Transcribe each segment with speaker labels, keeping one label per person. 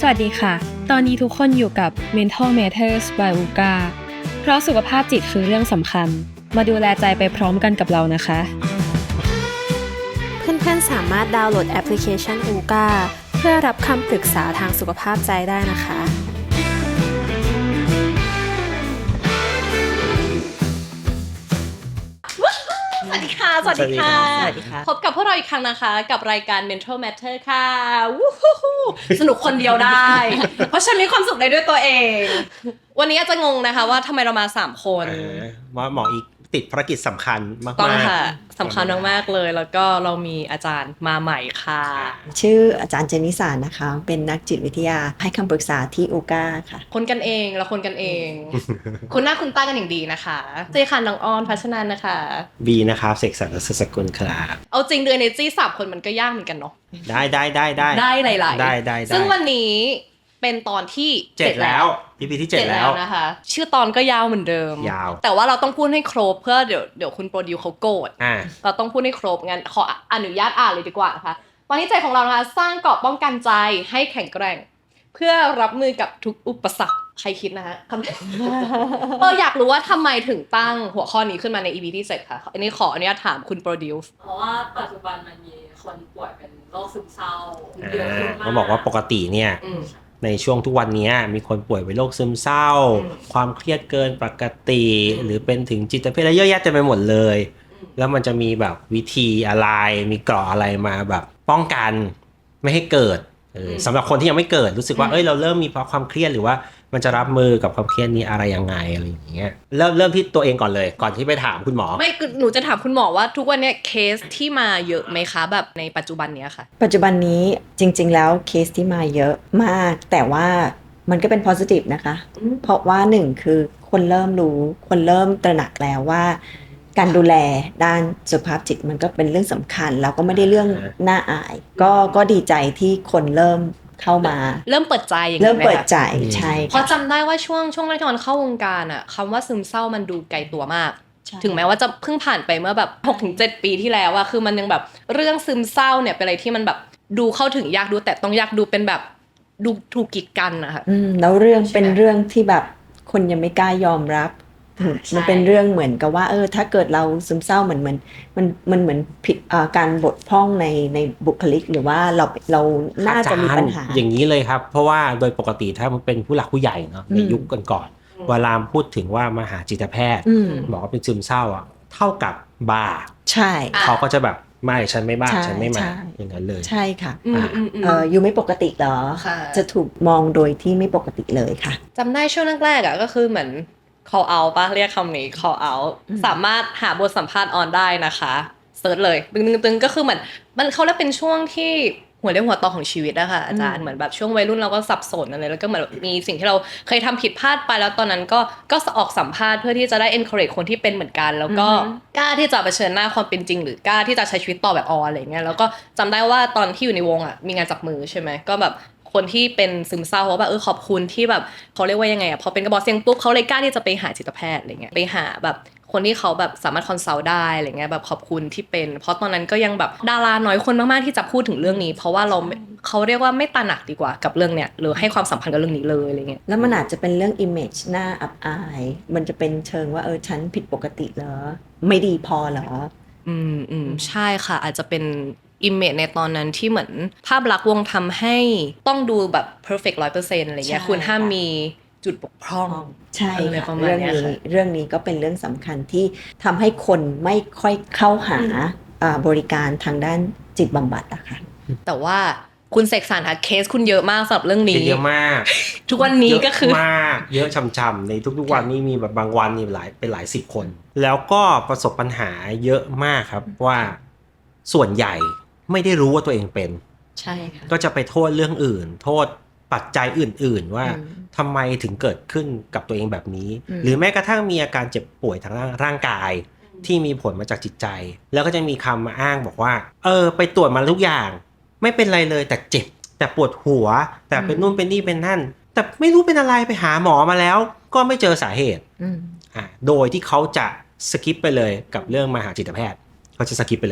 Speaker 1: สวัสดีค่ะตอนนี้ทุกคนอยู่กับ Mental Matters by UGA เพราะสุขภาพจิตคือเรื่องสำคัญมาดูแลใจไปพร้อมกันกับเรานะคะ
Speaker 2: เพื่อนๆสามารถดาวน์โหลดแอปพลิเคชัน UGA เพื่อรับคำปรึกษาทางสุขภาพใจได้นะคะ
Speaker 3: สวัสดีค่ะสวัสดีค่ะพบกับพวกเราอีกครั้งนะคะกับรายการ Mental Matter ค่ะวู้ฮู้สนุกคนเดียวได้ เพราะฉันมีความสุขได้ด้วยตัวเองวันนี้อาจจะงงนะคะว่าทำไมเรามา3คน
Speaker 4: ว่าหมออีกติดภารกิจสำคัญมากๆ
Speaker 3: ต้องค่ะสำคัญมากๆเลยแล้วก็เรามีอาจารย์มาใหม่ค่ะ
Speaker 5: ชื่ออาจารย์เจนิสานะคะเป็นนักจิตวิทยาให้คำปรึกษาที่อูก้าค่ะ
Speaker 3: คนกันเองแล้วคนกันเอง คุณหน้าคุณตากันอย่างดีนะคะเจค่ะน้องออนพัชนันนะคะ
Speaker 4: บีนะครับเสกสรรสกุลครับ
Speaker 3: เอาจริงเดือนเนจี้3คนมันก็ยากเหมือนกันเนาะ
Speaker 4: ได้
Speaker 3: หลายๆ
Speaker 4: ได้
Speaker 3: ซึ่งวันนี้เป็นตอนที่
Speaker 4: 7แล้ว EP ที่7แล้ว
Speaker 3: นะคะชื่อตอนก็ยาวเหมือนเดิม
Speaker 4: ยาว
Speaker 3: แต่ว่าเราต้องพูดให้ครบเพื่อเดี๋ยวคุณโปรดิวเขาโกรธเราต้องพูดให้ครบงั้นขออนุญาตอ่านเลยดีกว่านะคะตอนนี้ใจของเรานะคะสร้างเกราะป้องกันใจให้แข็งแกร่งเพื่อรับมือกับทุกอุปสรรคใครคิดนะคะอยากรู้ว่าทำไมถึงตั้งหัวข้อนี้ขึ้นมาใน EP ที่7ค่ะอันนี้ขออนุญาตถามคุณโปรดิว
Speaker 6: เพราะว่าปัจจุบันมันมีคนป่วยเป็นโรคซึมเศร้าเยอะขึ้นมาก
Speaker 4: เขาบอกว่าปกติเนี่ยในช่วงทุกวันนี้มีคนป่วยเป็นโรคซึมเศร้าความเครียดเกินปกติหรือเป็นถึงจิตเภทอะไรเยอะแยะเต็มไปหมดเลยแล้วมันจะมีแบบวิธีอะไรมีเกราะอะไรมาแบบป้องกันไม่ให้เกิดสำหรับคนที่ยังไม่เกิดรู้สึกว่าเราเริ่มมีเพราะความเครียดหรือว่ามันจะรับมือกับความเครียดนี้อะไรยังไงอะไรอย่างเงี้ยเริ่มที่ตัวเองก่อนเลยก่อนที่ไปถามคุณหมอ
Speaker 3: ไม่หนูจะถามคุณหมอว่าทุกวันนี้เคสที่มาเยอะไหมคะแบบในปัจจุบันนี้ค่ะ
Speaker 5: ปัจจุบันนี้จริงๆแล้วเคสที่มาเยอะมากแต่ว่ามันก็เป็น positive นะคะเพราะว่า1คือคนเริ่มรู้คนเริ่มตระหนักแล้วว่าการดูแลด้านสุขภาพจิตมันก็เป็นเรื่องสำคัญแล้วก็ไม่ได้เรื่องน่าอายก็ดีใจที่คนเริ่มเข้ามา
Speaker 3: เริ่มเปิดใจอย่างนี้
Speaker 5: เริ่มเปิดใจใช่
Speaker 3: เพราะจำได้ว่าช่วงแรกที่มันเข้าวงการอ่ะคำว่าซึมเศร้ามันดูไกลตัวมากถึงแม้ว่าจะเพิ่งผ่านไปเมื่อแบบ 6-7 ปีที่แล้วอะคือมันยังแบบเรื่องซึมเศร้าเนี่ยเป็นอะไรที่มันแบบดูเข้าถึงยากดูแต่ต้องยากดูเป็นแบบดูถูกกีดกันนะคะ
Speaker 5: แล้วเรื่องเป็นเรื่องที่แบบคนยังไม่กล้ายอมรับมันเป็นเรื่องเหมือนกับว่าถ้าเกิดเราซึมเศร้าเหมือนมันเหมือนผิดการบกพร่องในบุคลิกหรือว่าเราน่าจะมีปัญหา
Speaker 4: อย่างนี้เลยครับเพราะว่าโดยปกติถ้ามันเป็นผู้หลักผู้ใหญ่เนาะในยุคก่อนๆเวลาพูดถึงว่ามาหาจิตแพทย์บอกว่าเป็นซึมเศร้าอ่ะเท่ากับบ้า
Speaker 5: ใช่
Speaker 4: เขาก็จะแบบไม่ฉันไม่บ้าฉันไม่มาอย่างนั้นเลย
Speaker 5: ใช่ค่ะอยู่ไม่ปกติเหรอจะถูกมองโดยที่ไม่ปกติเลยค่ะ
Speaker 3: จำได้ช่วงแรกๆอ่ะก็คือเหมือนcall out ป่ะเรียกคำนี้ call out สามารถหาบทสัมภาษณ์ออนได้นะคะเซิร์ชเลยตึงๆก็คือเหมือนมันเขาเรียกเป็นช่วงที่หัวเรี่ยวหัวต่อของชีวิตอะค่ะอาจารย์เหมือนแบบช่วงวัยรุ่นเราก็สับสนอะไรแล้วก็เหมือนมีสิ่งที่เราเคยทำผิดพลาดไปแล้วตอนนั้นก็ออกสัมภาษณ์เพื่อที่จะได้ encourage คนที่เป็นเหมือนกันแล้วก็กล้าที่จะเผชิญหน้าความเป็นจริงหรือกล้าที่จะใช้ชีวิตต่อแบบออนอะไรเงี้ยแล้วก็จำได้ว่าตอนที่อยู่ในวงอะมีงานจับมือใช่ไหมก็แบบคนที่เป็นซึมเศร้าเขาแบบขอบคุณที่แบบเขาเรียกว่ายังไงอ่ะพอเป็นกระบอกเสียงปุ๊บเขาเลยกล้าที่จะไปหาจิตแพทย์อะไรเงี้ยไปหาแบบคนที่เขาแบบสามารถคอนซัลท์ได้อะไรเงี้ยแบบขอบคุณที่เป็นเพราะตอนนั้นก็ยังแบบดาราน้อยคนมากๆที่จะพูดถึงเรื่องนี้เพราะว่าเขาเรียกว่าไม่ตระหนักดีกว่ากับเรื่องเนี้ยหรือให้ความสำคัญกับเรื่องนี้เลยอะไรเงี้ย
Speaker 5: แล้วมันอาจจะเป็นเรื่อง image หน้าอับอายมันจะเป็นเชิงว่าฉันผิดปกติเหรอไม่ดีพอเหรอ
Speaker 3: ใช่ค่ะอาจจะเป็นimage ในตอนนั้นที่เหมือนภาพลักษณ์วงทำให้ต้องดูแบบ perfect 100% อะไรเงี้ยคุณห้ามมีจุดบกพร่อง
Speaker 5: ใช่ค่ะเรื่องนี้ก็เป็นเรื่องสำคัญที่ทำให้คนไม่ค่อยเข้าหาบริการทางด้านจิตบำบัดอะค่ะ
Speaker 3: แต่ว่าคุณเสกสรรค่ะเคสคุณเยอะมากสำหรับเรื่องนี้
Speaker 4: เยอะมาก
Speaker 3: ทุกวันนี้ก็คือ
Speaker 4: มากเยอะช่ำๆในทุกๆวันนี้มีแบบบางวันนี่เป็นหลายสิบคนแล้วก็ประสบปัญหาเยอะมากครับว่าส่วนใหญ่ไม่ได้รู้ว่าตัวเองเป็น
Speaker 3: ใช่ค่ะ
Speaker 4: ก็จะไปโทษเรื่องอื่นโทษปัจจัยอื่นๆว่าทำไมถึงเกิดขึ้นกับตัวเองแบบนี้หรือแม้กระทั่งมีอาการเจ็บป่วยทางร่างกายที่มีผลมาจากจิตใจแล้วก็จะมีคำมาอ้างบอกว่าไปตรวจมาทุกอย่างไม่เป็นไรเลยแต่เจ็บแต่ปวดหัวแต่เป็นนู่นเป็นนี่เป็นนั่นแต่ไม่รู้เป็นอะไรไปหาหมอมาแล้วก็ไม่เจอสาเหตุโดยที่เขาจะสคิปไปเลยกับเรื่องมาหาจิตแพทย์เขาจะสคิปไปเลย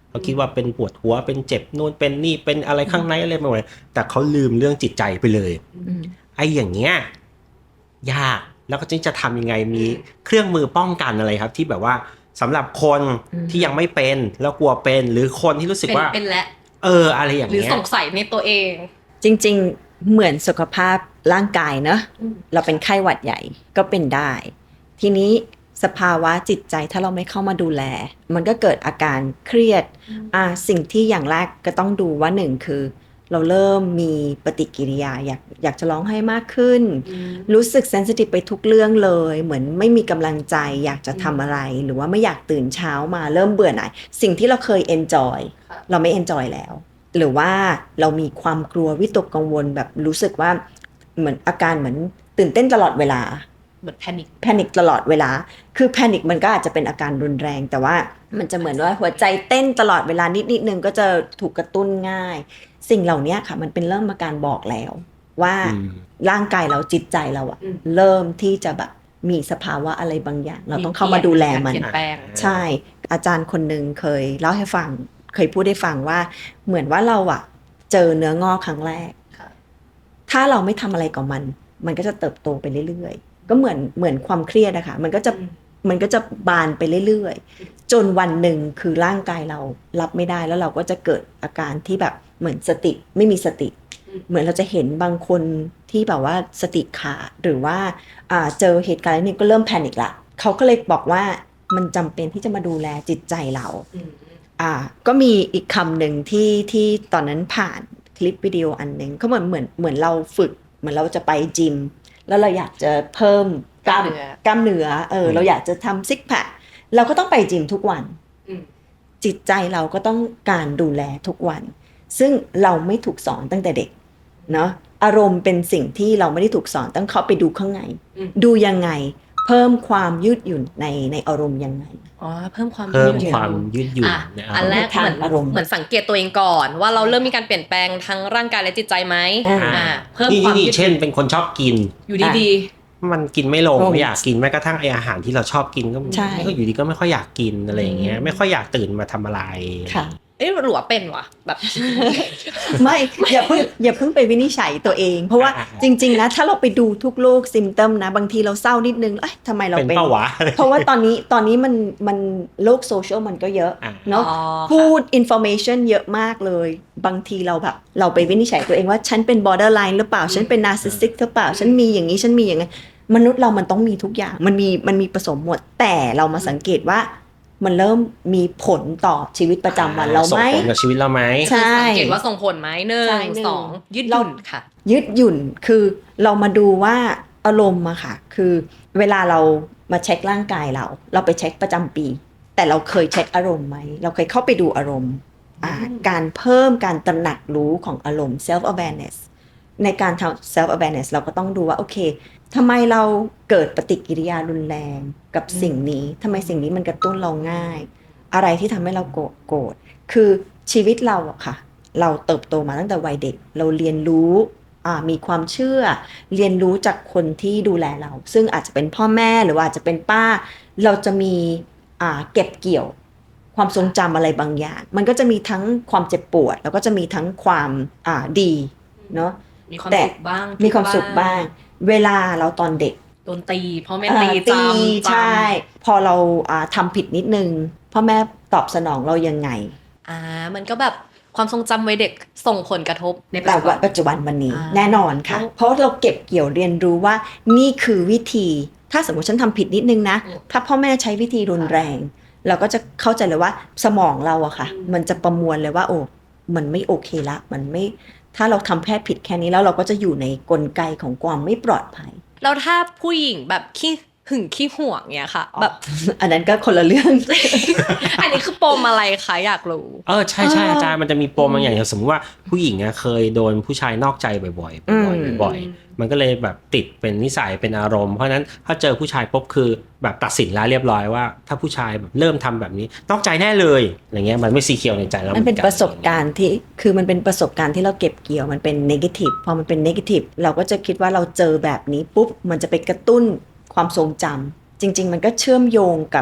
Speaker 4: เขาคิดว่าเป็นปวดหัวเป็นเจ็บนู่นเป็นนี่เป็นอะไรข้างในอะไรไปหมดเลยแต่เขาลืมเรื่องจิตใจไปเลยไอ้อย่างเงี้ยยากแล้วก็จะทำยังไงมีเครื่องมือป้องกันอะไรครับที่แบบว่าสำหรับคนที่ยังไม่เป็นแล้วกลัวเป็นหรือคนที่รู้สึกว่า
Speaker 3: เป็นและ
Speaker 4: อะไรอย่าง
Speaker 3: หรือ
Speaker 4: เงี้ย
Speaker 3: สงสัยในตัวเอง
Speaker 5: จริงๆเหมือนสุขภาพร่างกายเนอะเราเป็นไข้หวัดใหญ่ก็เป็นได้ ทีนี้สภาวะจิตใจถ้าเราไม่เข้ามาดูแลมันก็เกิดอาการเครียดสิ่งที่อย่างแรกก็ต้องดูว่าหนึ่งคือเราเริ่มมีปฏิกิริยาอยากจะร้องไห้มากขึ้นรู้สึกเซนซิทีฟไปทุกเรื่องเลยเหมือนไม่มีกำลังใจอยากจะทำอะไรหรือว่าไม่อยากตื่นเช้ามาเริ่มเบื่อหน่ายสิ่งที่เราเคยเอนจอยเราไม่เอนจอยแล้วหรือว่าเรามีความกลัววิตกกังวลแบบรู้สึกว่าเหมือนอาการเหมือนตื่นเต้นตลอดเวลา
Speaker 3: เหมือนแพนิค
Speaker 5: ตลอดเวลาคือแพนิคมันก็อาจจะเป็นอาการรุนแรงแต่ว่ามันจะเหมือนว่าหัวใจเต้นตลอดเวลานิดนึงก็จะถูกกระตุ้นง่ายสิ่งเหล่านี้ค่ะมันเป็นเริ่มอาการบอกแล้วว่าร่างกายเราจิตใจเราอะเริ่มที่จะแบบมีสภาวะอะไรบางอย่างเราต้องเข้ามาดูแลมันใช่อาจารย์คนหนึ่งเคยเล่าให้ฟังเคยพูดให้ฟังว่าเหมือนว่าเราอะเจอเนื้องอกครั้งแรกถ้าเราไม่ทำอะไรกับมันก็จะเติบโตไปเรื่อยๆก็เหมือนความเครียดนะคะมันก็จะบานไปเรื่อยๆจนวันหนึ่งคือร่างกายเรารับไม่ได้แล้วเราก็จะเกิดอาการที่แบบเหมือนสติไม่มีสติเหมือนเราจะเห็นบางคนที่แบบว่าสติขาดหรือว่าเจอเหตุการณ์นี้ก็เริ่มแพนิคละเขาก็เลยบอกว่ามันจำเป็นที่จะมาดูแลจิตใจเราก็มีอีกคำหนึ่งที่ตอนนั้นผ่านคลิปวิดีโออันหนึ่งเขาเหมือนเราฝึกเหมือนเราจะไปจิมแล้วเราอยากจะเพิ่มกล้ามเนื้อเราอยากจะทำซิกแพคเราก็ต้องไปจิมทุกวันจิตใจเราก็ต้องการดูแลทุกวันซึ่งเราไม่ถูกสอนตั้งแต่เด็กเนาะอารมณ์เป็นสิ่งที่เราไม่ได้ถูกสอนต้องเข้าไปดูข้างในดูยังไงเพิ่มความยืดหยุ่นในอารมณ์ยังไง
Speaker 3: เพิ่มความ
Speaker 4: ยืดหยุ่น
Speaker 3: อันแรกเหมือนสังเกตตัวเองก่อนว่าเราเริ่มมีการเปลี่ยนแปลงทั้งร่างกายและจิตใจไหมเพิ่มความยืดหยุ่น
Speaker 4: เช่นเป็นคนชอบกิน
Speaker 3: อยู่ดี
Speaker 4: มันกินไม่ลงไม่อยากกินแม้กระทั่งอาหารที่เราชอบกินก็อยู่ดีก็ไม่ค่อยอยากกินอะไรอย่างเงี้ยไม่ค่อยอยากตื่นมาทำอะไร
Speaker 5: ค่ะ
Speaker 3: หรือว่าเป็นวะแบบ
Speaker 5: ไม่อย่าเพิ่งไปวินิจฉัยตัวเองเพราะว่าจริงๆนะถ้าเราไปดูทุกโรคซิมตัมนะบางทีเราเศร้านิดนึงทำไมเราเป็นเพราะว่าตอนนี้มันโลกโซเชียลมันก็เยอะเนาะพูดอินฟอร์เมชันเยอะมากเลยบางทีเราไปวินิจฉัยตัวเองว่าฉันเป็น borderline หรือเปล่าฉันเป็น narcissistic หรือเปล่าฉันมีอย่างนี้ฉันมีอย่างนั้นมนุษย์เรามันต้องมีทุกอย่างมันมีผสมหมดแต่เรามาสังเกตว่ามันเริ่มมีผลต่อชีวิตประจำวันเราไหม
Speaker 4: ส่งผลกับชีวิตเราไหม
Speaker 3: ใช่สังเกตว่าส่งผลไหม1 2ยืดหยุ่นค่ะ
Speaker 5: ยืดหยุ่นคือเรามาดูว่าอารมณ์อะค่ะคือเวลาเรามาเช็คร่างกายเราไปเช็คประจำปีแต่เราเคยเช็คอารมณ์ไหมเราเคยเข้าไปดูอารมณ์การเพิ่มการตระหนักรู้ของอารมณ์ self awareness ในการทำ self awareness เราก็ต้องดูว่าโอเคทำไมเราเกิดปฏิกิริยารุนแรงกับสิ่งนี้ทำไมสิ่งนี้มันกระตุ้นเราง่ายอะไรที่ทำให้เราโกรธคือชีวิตเราอะค่ะเราเติบโตมาตั้งแต่วัยเด็กเราเรียนรู้มีความเชื่อเรียนรู้จากคนที่ดูแลเราซึ่งอาจจะเป็นพ่อแม่หรือว่าอาจจะเป็นป้าเราจะมีเก็บเกี่ยวความทรงจำอะไรบางอย่างมันก็จะมีทั้งความเจ็บปวดแล้วก็จะมีทั้งความดีเนาะ
Speaker 3: มีความสุขบ้าง
Speaker 5: มีความสุขบ้างเวลาเราตอนเด็ก
Speaker 3: โดนตีพ่อแม่ตี
Speaker 5: ใช่พอเราทำผิดนิดนึงพ่อแม่ตอบสนองเรายังไง
Speaker 3: มันก็แบบความทรงจำวัยเด็กส่งผลกระทบใน
Speaker 5: ปัจจุบันวันนี้แน่นอนค่ะเพราะเราเก็บเกี่ยวเรียนรู้ว่านี่คือวิธีถ้าสมมติฉันทำผิดนิดนึงนะถ้าพ่อแม่ใช้วิธีรุนแรงเราก็จะเข้าใจเลยว่าสมองเราอะค่ะมันจะประมวลเลยว่าโอ้มันไม่โอเคละมันไม่ถ้าเราทำแค่ผิดแค่นี้แล้วเราก็จะอยู่ในกลไกของความไม่ปลอดภัย
Speaker 3: แล้วถ้าผู้หญิงแบบขี้หึงขี้ห่วงเนี่ยค่ะแบบ
Speaker 5: อันนั้นก็คนละเรื่อง
Speaker 3: อันนี้คือปมอะไรคะอยากรู้
Speaker 4: ใช่อาจารย์มันจะมีปมบางอย่างสมมติว่าผู้หญิงเคยโดนผู้ชายนอกใจบ่อยมันก็เลยแบบติดเป็นนิสัยเป็นอารมณ์เพราะนั้นถ้าเจอผู้ชายปุ๊บคือแบบตัดสินแล้วเรียบร้อยว่าถ้าผู้ชายแบบเริ่มทำแบบนี้นอกใจแน่เลยอะไรเงี้ยมันไม่สีเขียวในใจแล้ว
Speaker 5: มันเป็นประสบการณ์ที่คือมันเป็นประสบการณ์ที่เราเก็บเกี่ยวมันเป็นเนกาทีฟพอมันเป็นเนกาทีฟเราก็จะคิดว่าเราเจอแบบนี้ปุ๊บมันจะไปกระตุ้นความทรงจำจริงๆมันก็เชื่อมโยงกับ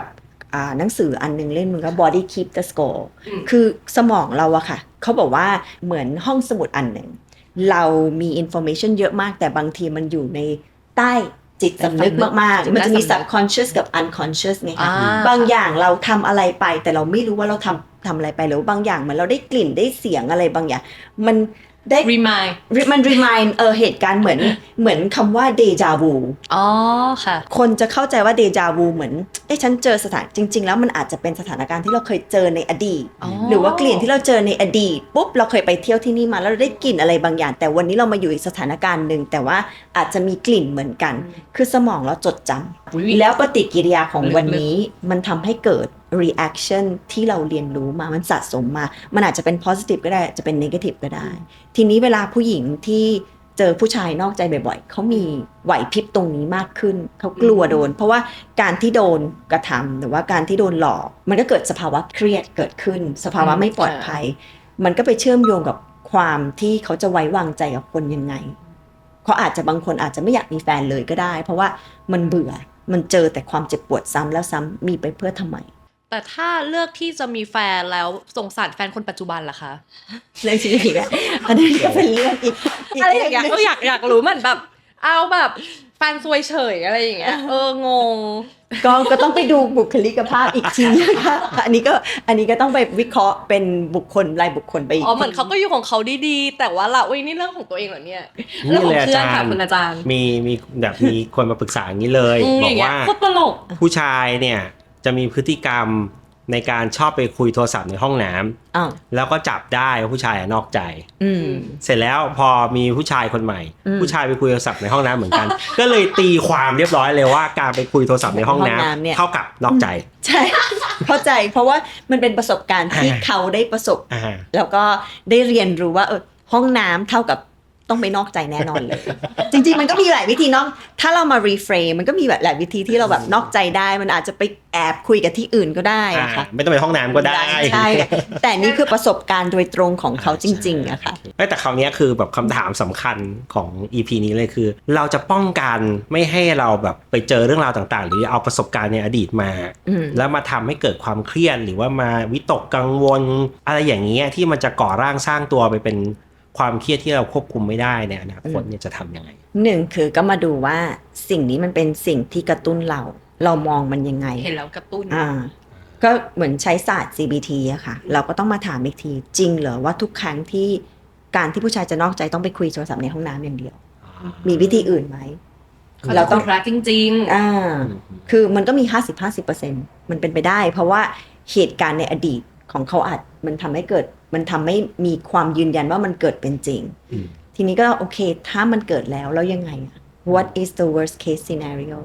Speaker 5: หนังสืออันนึงเล่นมันก็ Body Keep the Score คือสมองเราอะค่ะเขาบอกว่าเหมือนห้องสมุดอันหนึ่งเรามี information เยอะมากแต่บางทีมันอยู่ในใต้จิตสำนึกมากๆมันจะมี subconscious กับ unconscious ไงคะบางอย่างเราทำอะไรไปแต่เราไม่รู้ว่าเราทำอะไรไปหรือบางอย่างเหมือนเราได้กลิ่นได้เสียงอะไรบางอย่างมันได้
Speaker 3: remind
Speaker 5: มัน remind เหตุการณ์เหมือนคำว่า deja vu
Speaker 3: อ๋อค่ะ
Speaker 5: คนจะเข้าใจว่า deja vu เหมือนฉันเจอจริงๆแล้วมันอาจจะเป็นสถานการณ์ที่เราเคยเจอในอดีต หรือว่ากลิ่นที่เราเจอในอดีตปุ๊บเราเคยไปเที่ยวที่นี่มาแล้วเราได้กลิ่นอะไรบางอย่างแต่วันนี้เรามาอยู่อีกสถานการณ์หนึ่งแต่ว่าอาจจะมีกลิ่นเหมือนกันคือสมองเราจดจำแล้วปฏิกิริยาของวันนี้มันทำให้เกิด reaction ที่เราเรียนรู้มามันสะสมมามันอาจจะเป็น positive ก็ได้จะเป็น negative ก็ได้ทีนี้เวลาผู้หญิงที่เจอผู้ชายนอกใจบ่อยๆเขามีไหวพริบตรงนี้มากขึ้นเขากลัวโดนเพราะว่าการที่โดนกระทำหรือว่าการที่โดนหลอกมันก็เกิดสภาวะเครียดเกิดขึ้นสภาวะไม่ปลอดภัยมันก็ไปเชื่อมโยงกับความที่เขาจะไว้วางใจกับคนยังไงเขาอาจจะบางคนอาจจะไม่อยากมีแฟนเลยก็ได้เพราะว่ามันเบื่อมันเจอแต่ความเจ็บปวดซ้ำแล้วซ้ำมีไปเพื่อทำไม
Speaker 3: แต่ถ้าเลือกที่จะมีแฟนแล้วสงสารแฟนคนปัจจุบันล่ะคะ
Speaker 5: เรื่องชีวิตอีกแล้วอันนี้ก็เป็นเรื่องอีก
Speaker 3: อะไรอย่างเงี้ยอยากรู้มันแบบเอาแบบแฟนซวยเฉยอะไรอย่างเงี้ยงง
Speaker 5: ก็ต้องไปดูบุคลิกภาพอีกทีนะคะอันนี้ก็ต้องไปวิเคราะห์เป็นบุคคลรายบุคคลไปอีก
Speaker 3: เหมือนเขาก็อยู่ของเขาดีๆแต่ว่าเรานี่เรื่องของตัวเองเหรอเนี่ยเรื่องของเพื่อนค่ะคุณอาจารย์
Speaker 4: มีแบบมีคนมาปรึกษาอย่างนี้เลยบอกว่า
Speaker 3: โคตรตลก
Speaker 4: ผู้ชายเนี่ยจะมีพฤติกรรมในการชอบไปคุยโทรศัพท์ในห้องน้ำแล้วก็จับได้ว่าผู้ชายนอกใจเสร็จแล้วพอมีผู้ชายคนใหม่ผู้ชายไปคุยโทรศัพท์ในห้องน้ำเหมือนกัน ก็เลยตีความเรียบร้อยเลยว่าการไปคุยโทรศัพท์ในห้องน้ำเท่ากับนอกใจ
Speaker 5: ใช่เข้าใจเพราะว่ามันเป็นประสบการณ์ที่เขาได้ประสบแล้วก็ได้เรียนรู้ว่าห้องน้ำเท่ากับต้องไม่นอกใจแน่นอนเลยจริงๆมันก็มีหลายวิธีนอกถ้าเรามารีเฟรมมันก็มีแบบหลายวิธีที่เราแบบนอกใจได้มันอาจจะไปแอบคุยกับที่อื่นก็ได้อะค่ะ
Speaker 4: ไม่ต้องไปห้องน้ำก็ได้
Speaker 5: ใช่แต่นี่คือประสบการณ์โดยตรงของเขาจริงๆอะค่ะ
Speaker 4: แต่คราวนี้คือแบบคำถามสำคัญของ EP นี้เลยคือเราจะป้องกันไม่ให้เราแบบไปเจอเรื่องราวต่างๆหรือเอาประสบการณ์ในอดีตมาแล้วมาทำให้เกิดความเครียดหรือว่ามาวิตกกังวลอะไรอย่างเงี้ยที่มันจะก่อร่างสร้างตัวไปเป็นความเครียดที่เราควบคุมไม่ได้ในอนาคตเนี่ยจะทำยังไง
Speaker 5: หนึ่งคือก็มาดูว่าสิ่งนี้มันเป็นสิ่งที่กระตุ้นเรามองมันยังไง
Speaker 3: เห็นแล้วกระตุ้น
Speaker 5: ก็เหมือนใช้ศาสตร์ CBT อะค่ะเราก็ต้องมาถามอีกทีจริงเหรอว่าทุกครั้งที่การที่ผู้ชายจะนอกใจต้องไปคุยโทรศัพท์ในห้องน้ำอย่างเดียวมีวิธีอื่นไหม
Speaker 3: เราต้องรักจริง
Speaker 5: ๆคือมันก็มี 50-50% มันเป็นไปได้เพราะว่าเหตุการณ์ในอดีตของเขาอาจมันทำให้มีความยืนยันว่ามันเกิดเป็นจริงทีนี้ก็โอเคถ้ามันเกิดแล้วยังไง What is the worst case scenario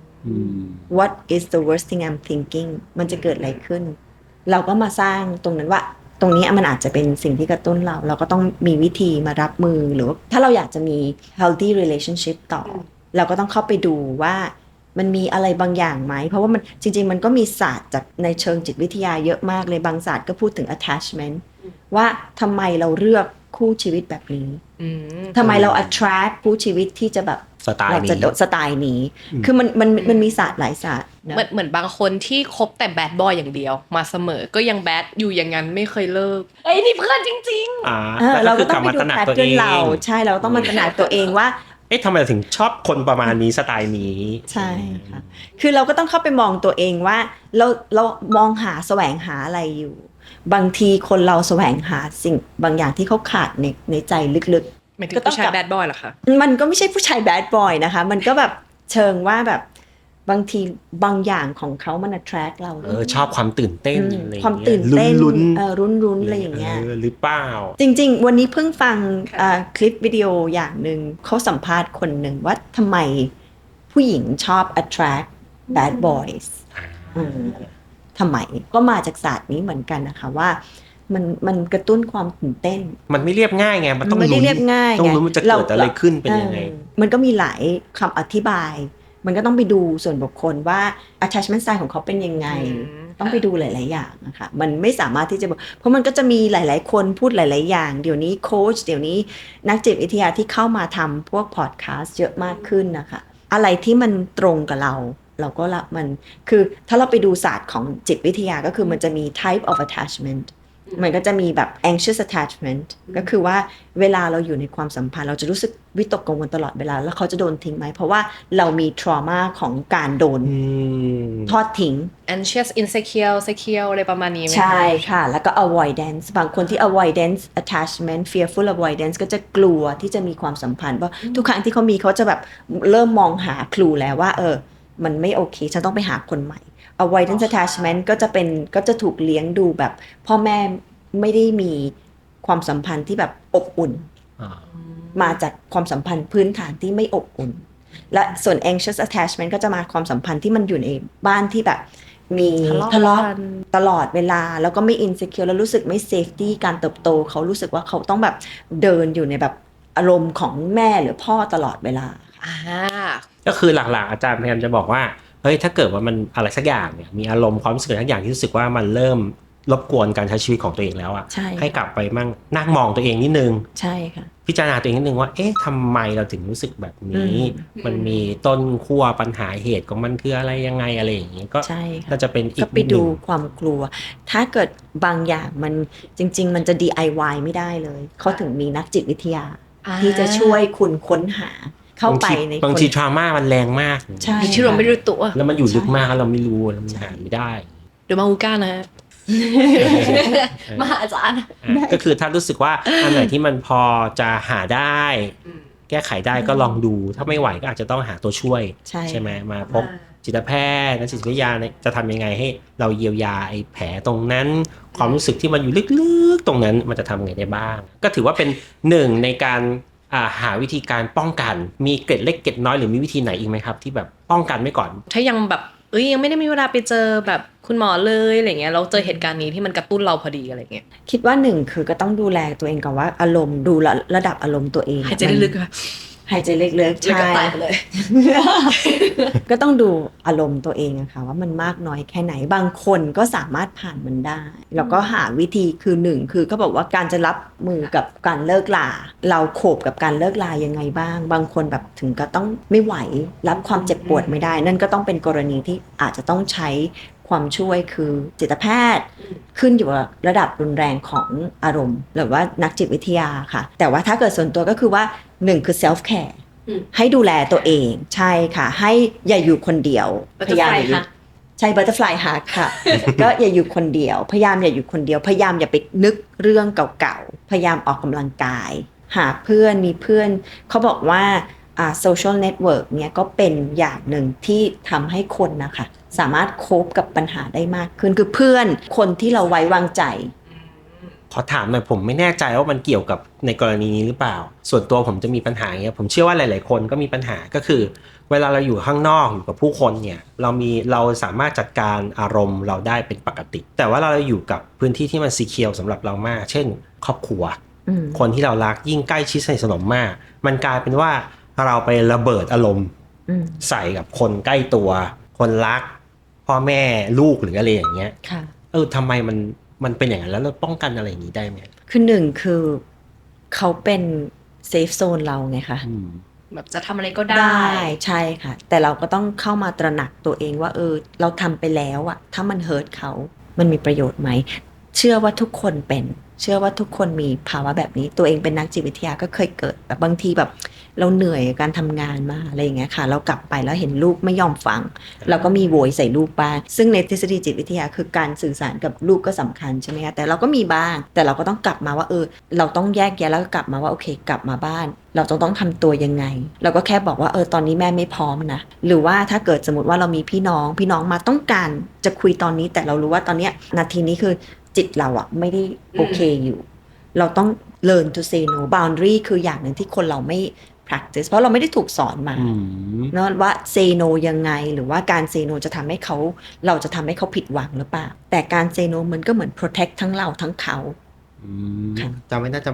Speaker 5: What is the worst thing I'm thinking มันจะเกิดอะไรขึ้นเราก็มาสร้างตรงนั้นว่าตรงนี้มันอาจจะเป็นสิ่งที่กระตุ้นเราก็ต้องมีวิธีมารับมือหรือว่าถ้าเราอยากจะมี healthy relationship ต่อเราก็ต้องเข้าไปดูว่ามันมีอะไรบางอย่างไหมเพราะว่ามันจริงๆมันก็มีศาสตร์จากในเชิงจิตวิทยาเยอะมากเลยบางศาสตร์ก็พูดถึง attachment ว่าทำไมเราเลือกคู่ชีวิตแบบนี้ทำไมเรา attract คู่ชีวิตที่จะแบบ
Speaker 4: สไต
Speaker 5: ล์นี้คือมันมีศาสตร์หลายศาสตร์
Speaker 3: เหมือนบางคนที่คบแต่แบดบอยอย่างเดียวมาเสมอก็ยังแบดอยู่อย่างนั้นไม่เคยเลิกนี่เพื่อนจริง
Speaker 5: ๆเราก็ต้องไปดูแพทเทิร์นเราใช่เราต้องมาตระหนักตัวเองว่า
Speaker 4: ทำไมถึงชอบคนประมาณนี้สไตล์นี้
Speaker 5: ใช่ค่ะคือเราก็ต้องเข้าไปมองตัวเองว่าเรามองหาแสวงหาอะไรอยู่บางทีคนเราแสวงหาสิ่งบางอย่างที่เขาขาดในใจลึก
Speaker 3: ๆก็ต้องผู้ชายแบดบอยเหรอคะ
Speaker 5: มันก็ไม่ใช่ผู้ชายแบดบอยนะคะมันก็แบบเชิงว่าแบบบางทีบางอย่างของเขามัน attract เรา
Speaker 4: ชอบความตื่นเต้น
Speaker 5: ความตื่นเต้นลุ้นอะไรอย่างเงี้ย
Speaker 4: หรือเปล่า
Speaker 5: จริงๆวันนี้เพิ่งฟังคลิปวิดีโออย่างนึงเขาสัมภาษณ์คนหนึ่งว่าทำไมผู้หญิงชอบ attract bad boys ทำไมก็มาจากศาสตร์นี้เหมือนกันนะคะว่ามันกระตุ้นความตื่นเต้น
Speaker 4: มันไม่เรียบง่ายไงมันต้อง
Speaker 5: ไม่ได้เรียบง่าย
Speaker 4: ต้องรู้มันจะเกิดอะไรขึ้นเป็นยังไง
Speaker 5: มันก็มีหลายคำอธิบายมันก็ต้องไปดูส่วนบุคคลว่า attachment style ของเขาเป็นยังไงต้องไปดูหลายๆอย่างนะคะมันไม่สามารถที่จะเพราะมันก็จะมีหลายๆคนพูดหลายๆอย่างเดี๋ยวนี้โค้ชเดี๋ยวนี้นักจิตวิทยาที่เข้ามาทำพวกพอดคาสต์เยอะมากขึ้นนะคะอะไรที่มันตรงกับเราเราก็รับมันคือถ้าเราไปดูศาสตร์ของจิตวิทยาก็คือมันจะมี type of attachment มันก็จะมีแบบ anxious attachment ก็คือว่าเวลาเราอยู่ในความสัมพันธ์เราจะรู้สึกวิตกกังวลตลอดเวลาแล้วเขาจะโดนทิ้งไหมเพราะว่าเรามี trauma ของการโดนทอดทิ้ง
Speaker 3: anxious insecure secure อะไรประมาณนี้ไหมคะ
Speaker 5: ใช่ค่ะแล้วก็ avoidance บางคนที่ avoidance attachment fearful avoidance ก็จะกลัวที่จะมีความสัมพันธ์เพราะทุกครั้งที่เขามีเขาจะแบบเริ่มมองหาคลูแล้วว่ามันไม่โอเคฉันต้องไปหาคนใหม่ avoidance attachment ก็จะถูกเลี้ยงดูแบบพ่อแม่ไม่ได้มีความสัมพันธ์ที่แบบอบอุ่นมาจากความสัมพันธ์พื้นฐานที่ไม่อบอุ่นและส่วน anxious attachment ก็จะมาความสัมพันธ์ที่มันอยู่ในบ้านที่แบบมีทะเลาะตลอดเวลาแล้วก็ไม่ insecure แล้วรู้สึกไม่ safety การเติบโตเขารู้สึกว่าเขาต้องแบบเดินอยู่ในแบบอารมณ์ของแม่หรือพ่อตลอดเวลา
Speaker 4: ก็คือหลักๆอาจารย์พยายามจะบอกว่าเฮ้ยถ้าเกิดว่ามันอะไรสักอย่างเนี่ยมีอารมณ์ความรู้สึกอะไรสักอย่างที่รู้สึกว่ามันเริ่มรบกวนการใช้ชีวิตของตัวเองแล้วอ่ะ ให้กลับไปนั่งมองตัวเองนิดนึง
Speaker 5: ใช่ค่ะ
Speaker 4: พิจารณาตัวเองนิดนึงว่าเอ๊ะทำไมเราถึงรู้สึกแบบนี้มันมีต้นขั้วปัญหาเหตุของมันคืออะไรยังไงอะไรอย่างนี้ก็น่าจะเป็นอีกก็
Speaker 5: ไปดูความกลัวถ้าเกิดบางอย่างมันจริงๆมันจะ DIY ไม่ได้เลยเขาถึงมีนักจิตวิทยาที่จะช่วยคุณค้นหาเข้าไปใน
Speaker 4: บางทีทรามามันแรงมาก
Speaker 3: ที่เราไม่รู้ตัว
Speaker 4: แล้วมันอยู่ลึกมากเราไม่รู้แล้วมันหาไม่ได้
Speaker 3: หรือมาอูก้านะ
Speaker 6: มหาอาจารย์
Speaker 4: ก็คือถ้ารู้สึกว่าอันไหนที่มันพอจะหาได้แก้ไขได้ก็ลองดูถ้าไม่ไหวก็อาจจะต้องหาตัวช่วยใช่ไหมมาพบจิตแพทย์นักจิตวิทยาจะทำยังไงให้เราเยียวยาไอ้แผลตรงนั้นความรู้สึกที่มันอยู่ลึกๆตรงนั้นมันจะทำไงได้บ้างก็ถือว่าเป็นหนึ่งในการหาวิธีการป้องกันมีเกร็ดเล็กเกร็ดน้อยหรือมีวิธีไหนอีกไหมครับที่แบบป้องกันไว้ก่อน
Speaker 3: ถ้ายังแบบยังไม่ได้มีเวลาไปเจอแบบคุณหมอเลยอะไรเงี้ยเราเจอเหตุการณ์นี้ที่มันกระตุ้นเราพอดีอะไรเงี้ย
Speaker 5: คิดว่าหนึ่งคือก็ต้องดูแลตัวเองก่อนว่าอารมณ์ดูระดับอารมณ์ตัวเอง
Speaker 3: หายใจลึกๆค่ะ
Speaker 5: หายใจลึกๆใช่ก็ต้องดูอารมณ์ตัวเองอะค่ะว่ามันมากน้อยแค่ไหนบางคนก็สามารถผ่านมันได้แล้วก็หาวิธีคือหนึ่งคือเขาบอกว่าการจะรับมือกับการเลิกลาเราโขบกับการเลิกลายังไงบ้างบางคนแบบถึงก็ต้องไม่ไหวรับความเจ็บปวดไม่ได้นั่นก็ต้องเป็นกรณีที่อาจจะต้องใช้ความช่วยคือจิตแพทย์ขึ้นอยู่กับระดับรุนแรงของอารมณ์หรือว่านักจิตวิทยาค่ะแต่ว่าถ้าเกิดส่วนตัวก็คือว่าหนึ่งคือ self care ให้ดูแลตัวเองใช่ค่ะให้อย่าอยู่คนเดียวพยายามใช่ butterfly hug ค่ะ ก็อย่าอยู่คนเดียวพยายามอย่าอยู่คนเดียวพยายามอย่าไปนึกเรื่องเก่าๆพยายามออกกำลังกายหาเพื่อนมีเพื่อนเขาบอกว่าsocial network เนี่ยก็เป็นอย่างหนึ่งที่ทำให้คนนะคะสามารถโคฟกับปัญหาได้มากขึ้นคือเพื่อนคนที่เราไว้วางใจ
Speaker 4: ขอถามหน่อยผมไม่แน่ใจว่ามันเกี่ยวกับในกรณีนี้หรือเปล่าส่วนตัวผมจะมีปัญหาอย่างเงี้ยผมเชื่อว่าหลายๆคนก็มีปัญหาก็คือเวลาเราอยู่ข้างนอกอยู่กับผู้คนเนี่ยเราสามารถจัดการอารมณ์เราได้เป็นปกติแต่ว่าเราอยู่กับพื้นที่ที่มันซีเคียวสำหรับเรามากเช่นครอบครัวคนที่เรารักยิ่งใกล้ชิดสนิทสนมมากมันกลายเป็นว่าเราไประเบิดอารมณ์ใส่กับคนใกล้ตัวคนรักพ่อแม่ลูกหรืออะไรอย่างเงี้ยทำไมมันเป็นอย่างนั้นแล้วเราป้องกันอะไรอย่างนี้ได้ไหม
Speaker 5: คือหนึ่งคือเขาเป็นเซฟโซนเราไงคะ
Speaker 3: แบบจะทำอะไรก็ได้
Speaker 5: ใช่ค่ะแต่เราก็ต้องเข้ามาตระหนักตัวเองว่าเราทำไปแล้วอะถ้ามันเฮิร์ตเขามันมีประโยชน์ไหมเชื่อว่าทุกคนเป็นเชื่อว่าทุกคนมีภาวะแบบนี้ตัวเองเป็นนักจิตวิทยาก็เคยเกิดแบบบางทีแบบเราเหนื่อยการทำงานมาอะไรอย่างเงี้ยค่ะเรากลับไปแล้วเห็นลูกไม่ยอมฟังเราก็มีโวยใส่ลูกบ้างซึ่งในทฤษฎีจิตวิทยาคือการสื่อสารกับลูกก็สำคัญใช่ไหมคะแต่เราก็มีบ้างแต่เราก็ต้องกลับมาว่าเราต้องแยกแยะแล้วก็กลับมาว่าโอเคกลับมาบ้านเราต้องทำตัวยังไงเราก็แค่บอกว่าตอนนี้แม่ไม่พร้อมนะหรือว่าถ้าเกิดสมมติว่าเรามีพี่น้องมาต้องการจะคุยตอนนี้แต่เรารู้ว่าตอนเนี้ยนาทีนี้คือจิตเราอะไม่ได้โอเคอยู่เราต้อง learn to say no boundary คืออย่างหนึ่งที่คนเราไม่ practice เพราะเราไม่ได้ถูกสอนมาเนาะว่า say no ยังไงหรือว่าการ say no จะทำให้เราจะทำให้เขาผิดหวังหรือเปล่าแต่การ say no มันก็เหมือน protect ทั้งเราทั้งเขา
Speaker 4: จำไว้นะ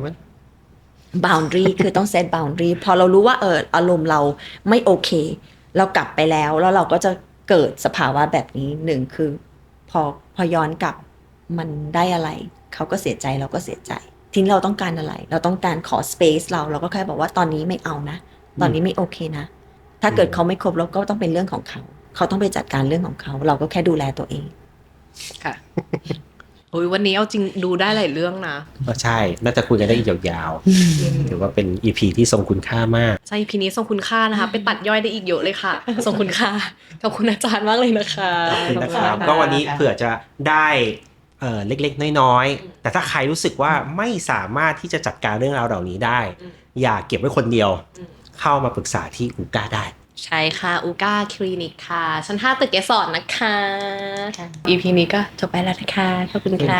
Speaker 5: boundary คือต้อง set boundary พอเรารู้ว่าอารมณ์เราไม่โอเคเรากลับไปแล้วเราก็จะเกิดสภาวะแบบนี้หนึ่งคือพอย้อนกลับมันได้อะไรเขาก็เสียใจเราก็เสียใจทีนี้เราต้องการอะไรเราต้องการขอ space เราก็แค่บอกว่าตอนนี้ไม่เอานะตอนนี้ไม่โอเคนะถ้าเกิดเขาไม่ครบเราก็ต้องเป็นเรื่องของเขาเขาต้องไปจัดการเรื่องของเขาเราก็แค่ดูแลตัวเอง
Speaker 3: ค่ะโอ้ยวันนี้เอาจริงดูได้หลายเรื่องนะ
Speaker 4: ก็ใช่ น่าจะคุยกันได้อีกยาวๆถือว่าเป็น EP ที่ทรงคุณค่ามาก
Speaker 3: ใช่พีนี้ทรงคุณค่านะคะ ไปตัดย่อยได้อีกเยอะเลยค่ะ ทรงคุณค่าขอบคุณอาจารย์มากเลยนะคะ
Speaker 4: ขอบคุณนะครับก็วันนี้เผื่อจะได้เล็กๆน้อยๆแต่ถ้าใครรู้สึกว่าไม่สามารถที่จะจัดการเรื่องราวเหล่านี้ได้ อย่าเก็บไว้คนเดียว เข้ามาปรึกษาที่อูก้าได้
Speaker 3: ใช่ค่ะอูก้าคลินิกค่ะชั้น5ตึกเกสรนะคะ EP นี้ก็จบไปแล้วนะคะขอบคุณค่ะ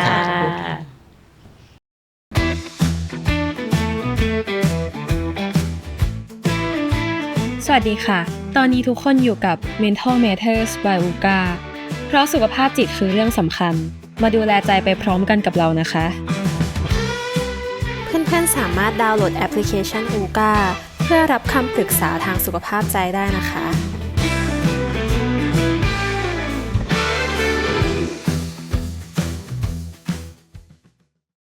Speaker 1: สวัสดีค่ะ ตอนนี้ทุกคนอยู่กับ Mental Matters by UGA เพราะสุขภาพจิตคือเรื่องสำคัญ มาดูแลใจไปพร้อมกันกับเรานะคะ
Speaker 2: เพื่อนๆสามารถดาวน์โหลดแอปพลิเคชัน UGA เพื่อรับคำปรึกษาทางสุขภาพใจได้นะคะ